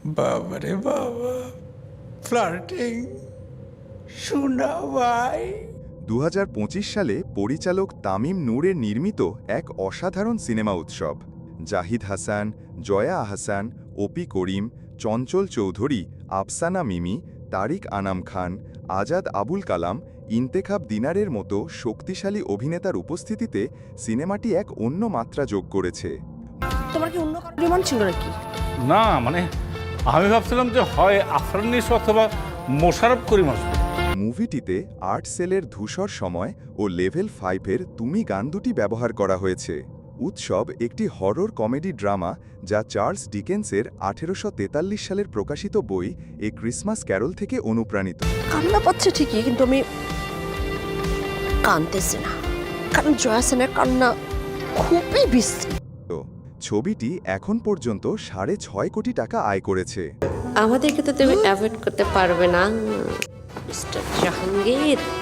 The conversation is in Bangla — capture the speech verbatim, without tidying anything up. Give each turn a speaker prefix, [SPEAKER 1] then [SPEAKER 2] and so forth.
[SPEAKER 1] বাবারে বাবা, ফ্লার্টিং শোনা ভাই।
[SPEAKER 2] দু হাজার পঁচিশ সালে পরিচালক তামিম নূরের নির্মিত এক অসাধারণ সিনেমা উৎসব। জাহিদ হাসান, জয়া আহসান, ওপি করিম, চঞ্চল চৌধুরী, আফসানা মিমি, তারিক আনাম খান, আজাদ আবুল কালাম, ইন্তেখাব দিনারের মতো শক্তিশালী অভিনেতার উপস্থিতিতে সিনেমাটি এক অন্য মাত্রা যোগ করেছে।
[SPEAKER 3] তোমার কি অন্য কারো ডিমান্ড ছিল নাকি?
[SPEAKER 4] না মানে আমি ভাবছিলাম যে হয় আফরানিস অথবা মোশাররফ করিম আসবে।
[SPEAKER 2] মুভিটিতে আর্ট সেলের ধূসর সময় ও লেভেল ফাইভের তুমি গান দুটি ব্যবহার করা হয়েছে। উৎসব একটি হরর কমেডি ড্রামা যা চার্লস ডিকেন্সের আঠেরোশো তেতাল্লিশ সালের প্রকাশিত বই এ ক্রিসমাস ক্যারল থেকে অনুপ্রাণিত।
[SPEAKER 3] কান্না পাচ্ছে ঠিকই, কিন্তু আমি কাঁদতেছি না, কারণ জয়া সেনের কান্না খুবই বিশ্রী।
[SPEAKER 2] ছবিটি এখন পর্যন্ত সাড়ে ছয় কোটি টাকা আয় করেছে।
[SPEAKER 5] আমাদেরকে তো তুমি অ্যাভয়েড করতে পারবে না মিস্টার জাহাঙ্গীর।